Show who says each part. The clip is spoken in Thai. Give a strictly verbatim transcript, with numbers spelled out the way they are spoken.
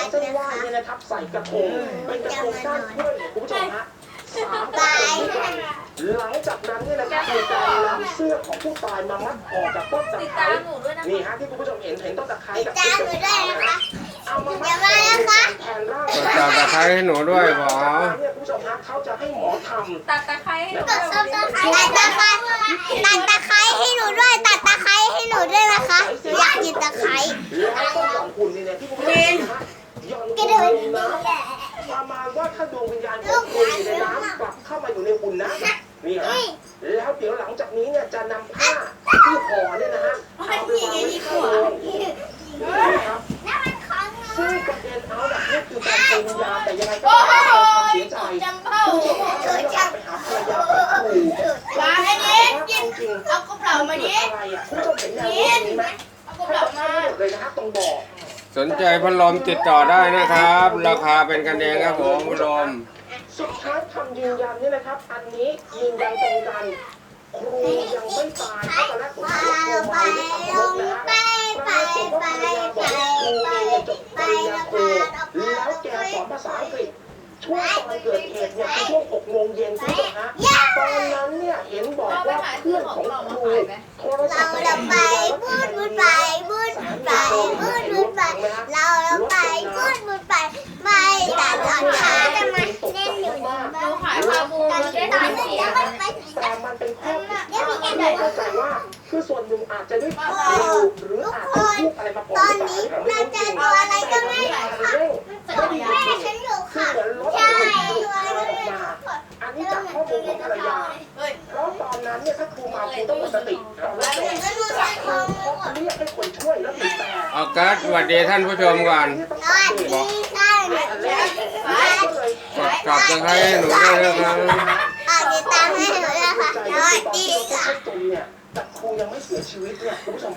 Speaker 1: เส้นไหว้เนี่ยนะครับใส่กระทงเป็นกระทงก้านกล้วยเนี่ยคุณผู้ชมฮะสามกระทงด้วยกันหลังจากนั้นเนี่ยนะครับมีการนำเสื้อของผู้ตายมามัดออกจากต้นตะไคร้นี่ฮะที่คุณผู้ชมเห็นเห็นต้นตะไคร้กับต้นตะไคร้นะคะเอามามัดแทนร่าง
Speaker 2: กดจับตะไคร้ให้หนูด้วยบอ
Speaker 1: เนี่ยคุณผู้ชมฮะเขาจะให้หมอทำ
Speaker 3: ตัดตะไคร้ให้หนู
Speaker 4: ตัดตะไคร้ตัดตะไคร้ตัดตะไคร้ให้หนูด้วยตัดตะไคร้ให้หนูด้วยนะคะอยากกินตะไคร้
Speaker 1: แล้วก็หย่อนหุ่นนี่เนี่ยที่คุณผู้ชมเห็นนะฮะหย่อนหุ่นลงน้ำประมาณว่าถ้าดวงวิญญาณของคุณอยู่ในน้ำกลับเข้ามาอยู่ในหุ่นนะนี่ฮะแล้วเดี๋ยวหลังจากนี้เนี่ยจะนำผ้าที่ห่อเนี่ยนะฮะเอาไปวางไว้ข้างบนนะครับซึ่งประเด็นเอาแบบนี้คือการเป็นวิญญาณแต่ยังไงก็ต้องทำเสียใจผู้ชมครับไปหาภรรยาของครู
Speaker 4: มาให้ดิกิน
Speaker 1: จริง
Speaker 4: เอากระเป๋ามาดิ
Speaker 1: อะไรอ่ะคุณผู้ชมเห็นแนวโน้มนี้ไหม
Speaker 4: เอากระ
Speaker 1: ให้
Speaker 4: เป๋า
Speaker 1: กับท่าน
Speaker 4: มา
Speaker 1: หมดเลยนะฮะตรงบ่อ
Speaker 2: สนใจพัดลมติดต่อได้นะครับ ราคาเป็นกันเองครับผมพัดลม
Speaker 1: สุดท้ายคำยืนยันนี่นะครับ อันนี้ยืนยันตรงกันครูยังไม่ตายเพราะตอนแรกผมคิดว่าครูมาไม่ทำรถนะฮะปรากฏว่าภรรยาบอกว่าครูเองเนี่ยจบปริญญาโทแล้วแกสอนภาษาอังกฤษช่วงตอนเกิดเหตุเนี่ยคือช่วงหกโมงเย็นคุณผู้ชมฮะตอนนั้นเนี่ยเห็นบอกว่าเพื่อนของครูโทรศัพท์
Speaker 4: เราไปพูดพูดไปพูดพูดไปพูดพูดไปเราเราไปพูดพูดไปไม่แต่ตอนเช้าจะมาเล่นอยู่นี่
Speaker 3: หนูขายปลาบูมันได้สามสี่
Speaker 1: แต่มันเป็นข้อผิดพลาดที่ไม่เข้าใจว่าคือส่วนหนึ่งอาจจะด้วยความเร็วหรืออาจจะพูดอะไรมาก่อน
Speaker 4: ตอนนี้เราเจอตัวอะไรก็ไม่รู้ค่ะแม่ฉันอยู่
Speaker 1: คือ
Speaker 4: ค่ะ
Speaker 1: เหมือนรถ
Speaker 4: ใช่
Speaker 1: มันหลุด
Speaker 4: ตัวอะไร
Speaker 1: อ
Speaker 4: ก็
Speaker 1: อก
Speaker 4: ไม่
Speaker 1: มา
Speaker 4: รู้ค่ะ
Speaker 1: อันนี้จากข้อมูลของภรรยาเพราะตอนนั้นเนี่ยถ้าครูมาครูต้องหมดสติเราแล้ว
Speaker 4: ก็รู้จัก
Speaker 1: ค
Speaker 4: เขา
Speaker 1: รูเขาเรียกให้คนช่วยแล้วบีบแต่
Speaker 2: ออกัสสวัสดีท่านผู้ชมก่อน
Speaker 4: สวัสดีค่ะ
Speaker 1: อันแรกก็เลย
Speaker 2: กดจับตะไคร้ให้หนูด้วยนะครับ
Speaker 4: อ่าติดตามให้หนูด้วยค่ะสวัสดีค่ะ
Speaker 1: จมเนี่ยแต่ครูยังไม่เสียชีวิตเนี่ยคุณผู้ชม